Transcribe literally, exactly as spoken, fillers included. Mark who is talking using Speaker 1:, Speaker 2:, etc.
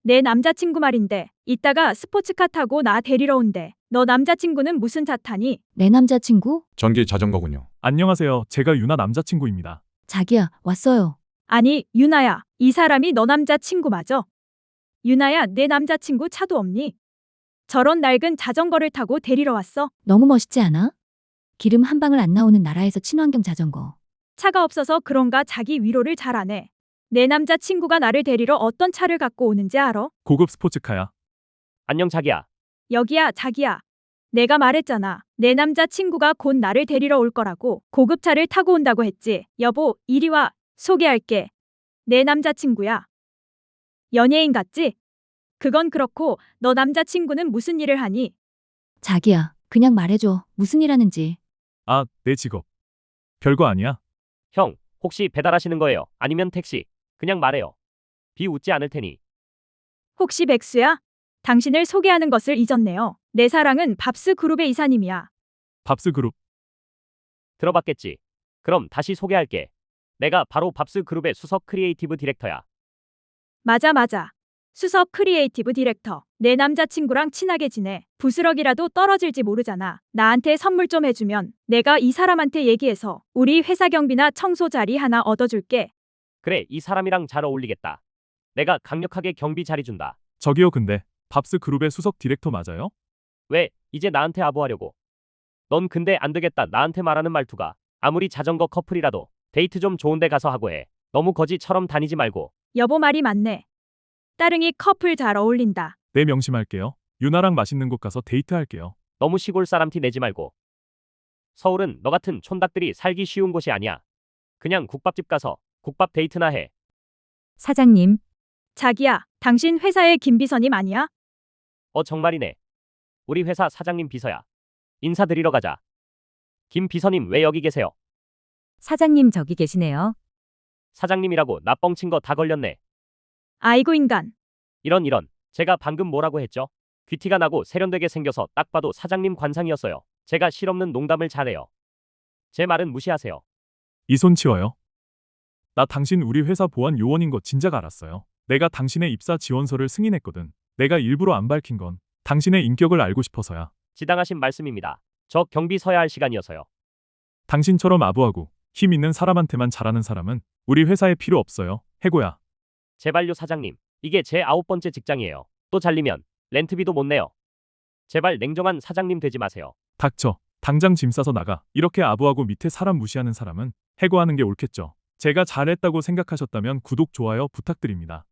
Speaker 1: 내 남자친구 말인데 이따가 스포츠카 타고 나 데리러 온대. 너 남자친구는 무슨 차 타니?
Speaker 2: 내 남자친구?
Speaker 3: 전기 자전거군요.
Speaker 4: 안녕하세요. 제가 유나 남자친구입니다.
Speaker 2: 자기야, 왔어요.
Speaker 1: 아니, 유나야, 이 사람이 너 남자친구 맞아? 유나야, 내 남자친구 차도 없니? 저런 낡은 자전거를 타고 데리러 왔어?
Speaker 2: 너무 멋있지 않아? 기름 한 방울 안 나오는 나라에서 친환경 자전거.
Speaker 1: 차가 없어서 그런가 자기 위로를 잘 안 해. 내 남자친구가 나를 데리러 어떤 차를 갖고 오는지 알아?
Speaker 4: 고급 스포츠카야.
Speaker 5: 안녕 자기야.
Speaker 1: 여기야, 자기야. 내가 말했잖아. 내 남자친구가 곧 나를 데리러 올 거라고. 고급차를 타고 온다고 했지. 여보, 이리 와. 소개할게. 내 남자친구야. 연예인 같지? 그건 그렇고 너 남자친구는 무슨 일을 하니?
Speaker 2: 자기야, 그냥 말해줘. 무슨 일 하는지.
Speaker 4: 아, 내 직업. 별거 아니야.
Speaker 5: 형, 혹시 배달하시는 거예요? 아니면 택시? 그냥 말해요. 비웃지 않을 테니.
Speaker 1: 혹시 백수야? 당신을 소개하는 것을 잊었네요. 내 사랑은 밥스 그룹의 이사님이야.
Speaker 4: 밥스 그룹.
Speaker 5: 들어봤겠지? 그럼 다시 소개할게. 내가 바로 밥스 그룹의 수석 크리에이티브 디렉터야.
Speaker 1: 맞아 맞아. 수석 크리에이티브 디렉터. 내 남자친구랑 친하게 지내. 부스럭이라도 떨어질지 모르잖아. 나한테 선물 좀 해주면 내가 이 사람한테 얘기해서 우리 회사 경비나 청소 자리 하나 얻어줄게.
Speaker 5: 그래, 이 사람이랑 잘 어울리겠다. 내가 강력하게 경비 자리 준다.
Speaker 4: 저기요, 근데 밥스 그룹의 수석 디렉터 맞아요?
Speaker 5: 왜, 이제 나한테 아부하려고? 넌 근데 안 되겠다. 나한테 말하는 말투가. 아무리 자전거 커플이라도 데이트 좀 좋은 데 가서 하고 해. 너무 거지처럼 다니지 말고.
Speaker 1: 여보 말이 맞네. 따릉이 커플 잘 어울린다.
Speaker 4: 네, 명심할게요. 유나랑 맛있는 곳 가서 데이트할게요.
Speaker 5: 너무 시골 사람 티 내지 말고. 서울은 너 같은 촌닭들이 살기 쉬운 곳이 아니야. 그냥 국밥집 가서 국밥 데이트나 해.
Speaker 1: 사장님. 자기야, 당신 회사의 김비서님 아니야?
Speaker 5: 어, 정말이네. 우리 회사 사장님 비서야. 인사드리러 가자. 김 비서님 왜 여기 계세요?
Speaker 6: 사장님 저기 계시네요.
Speaker 5: 사장님이라고 나 뻥친 거 다 걸렸네.
Speaker 1: 아이고 인간.
Speaker 5: 이런 이런. 제가 방금 뭐라고 했죠? 귀티가 나고 세련되게 생겨서 딱 봐도 사장님 관상이었어요. 제가 실없는 농담을 잘해요. 제 말은 무시하세요.
Speaker 4: 이 손 치워요. 나 당신 우리 회사 보안 요원인 거 진작 알았어요. 내가 당신의 입사 지원서를 승인했거든. 내가 일부러 안 밝힌 건 당신의 인격을 알고 싶어서야.
Speaker 5: 지당하신 말씀입니다. 저 경비 서야 할 시간이어서요.
Speaker 4: 당신처럼 아부하고 힘 있는 사람한테만 잘하는 사람은 우리 회사에 필요 없어요. 해고야.
Speaker 5: 제발요 사장님. 이게 제 아홉 번째 직장이에요. 또 잘리면 렌트비도 못 내요. 제발 냉정한 사장님 되지 마세요.
Speaker 4: 닥쳐. 당장 짐 싸서 나가. 이렇게 아부하고 밑에 사람 무시하는 사람은 해고하는 게 옳겠죠. 제가 잘했다고 생각하셨다면 구독, 좋아요 부탁드립니다.